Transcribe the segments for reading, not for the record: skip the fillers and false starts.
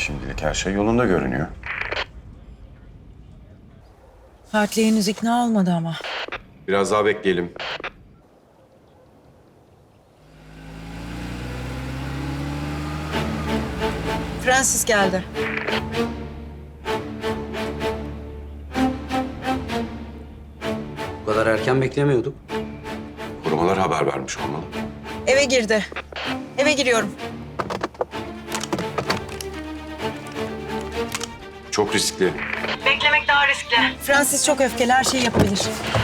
Şimdilik her şey yolunda görünüyor. Hartley henüz ikna olmadı ama. Biraz daha bekleyelim. Francis geldi. Bu kadar erken beklemiyorduk. Korumalar haber vermiş olmalı. Eve girdi. Eve giriyorum. Çok riskli. Beklemek daha riskli. Francis çok öfkeli, her şeyi yapabilir.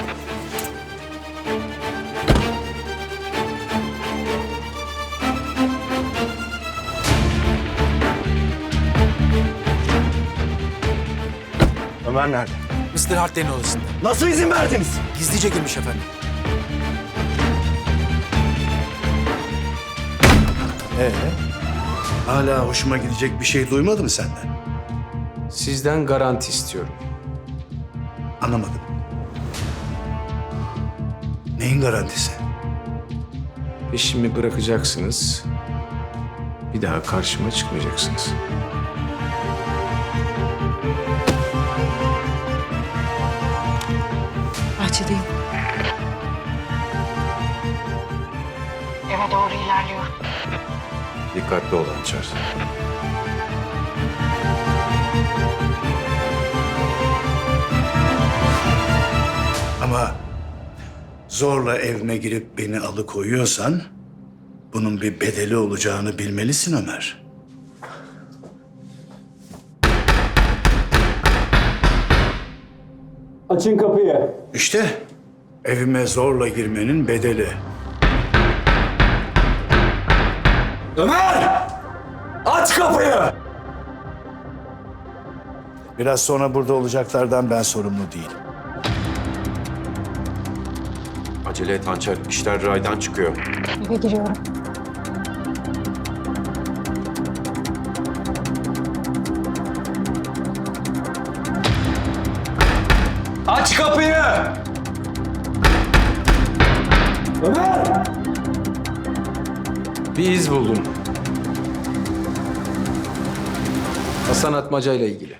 Ömer nerede? Mr. Hartley'nin odasında. Nasıl izin verdiniz? Gizlice girmiş efendim. Hala hoşuma gidecek bir şey duymadım senden. Sizden garanti istiyorum. Anlamadım. Neyin garantisi? Peşimi bırakacaksınız. Bir daha karşıma çıkmayacaksınız. Bahçedeyim. Eve doğru ilerliyor. Dikkatli ol Hançer. Ama zorla evime girip beni alıkoyuyorsan bunun bir bedeli olacağını bilmelisin Ömer. Açın kapıyı. İşte evime zorla girmenin bedeli. Ömer! Aç kapıyı! Biraz sonra burada olacaklardan ben sorumlu değilim. Acele et Hançer. İşler raydan çıkıyor. Eve giriyorum. Aç kapıyı! Ömer! Bir iz buldum. Hasan Atmaca ile ilgili.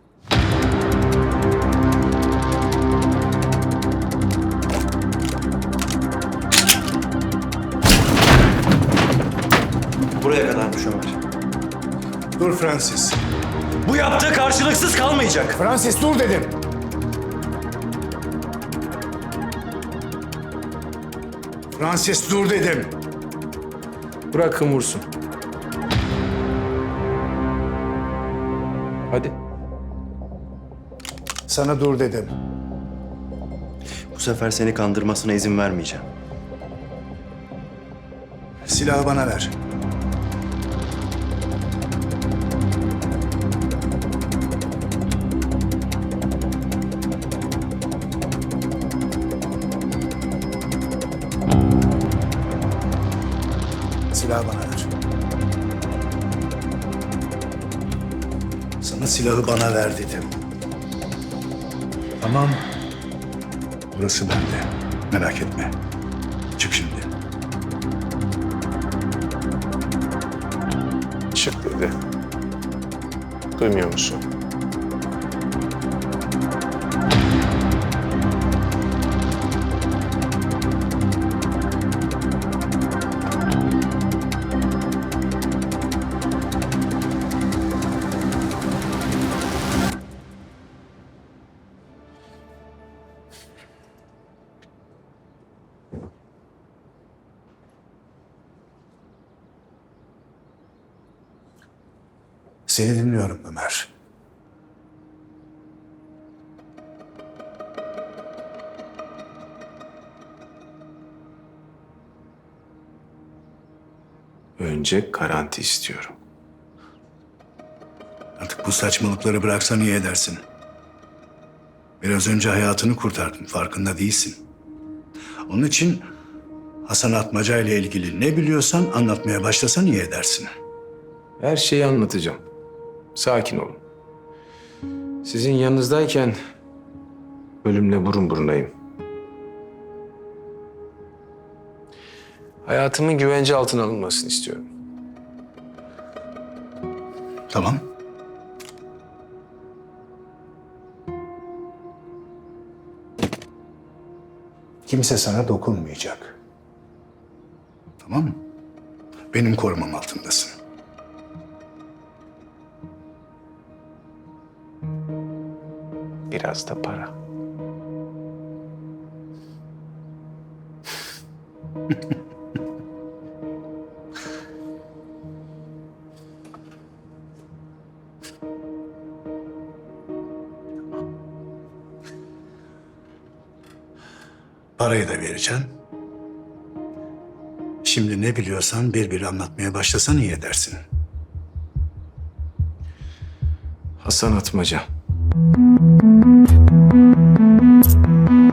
Buraya kadarmış Ömer. Dur Francis. Bu yaptığı karşılıksız kalmayacak. Francis dur dedim. Francis dur dedim. Bırakın vursun. Hadi. Sana dur dedim. Bu sefer seni kandırmasına izin vermeyeceğim. Silahı bana ver. Silahı bana ver. Sana silahı bana ver dedim. Tamam. Burası bende. Merak etme. Çık şimdi. Çık dedi. Duymuyor musun? Seni dinliyorum Ömer. Önce garanti istiyorum. Artık bu saçmalıkları bıraksan iyi edersin. Biraz önce hayatını kurtardın, farkında değilsin. Onun için Hasan Atmaca ile ilgili ne biliyorsan anlatmaya başlasan iyi edersin. Her şeyi anlatacağım. Sakin olun. Sizin yanınızdayken ölümle burun burunayım. Hayatımın güvence altına alınmasını istiyorum. Tamam. Kimse sana dokunmayacak. Tamam mı? Benim korumam altındasın. Biraz da para. Parayı da vereceğim. Şimdi ne biliyorsan bir anlatmaya başlasan iyi edersin. Hasan Atmaca.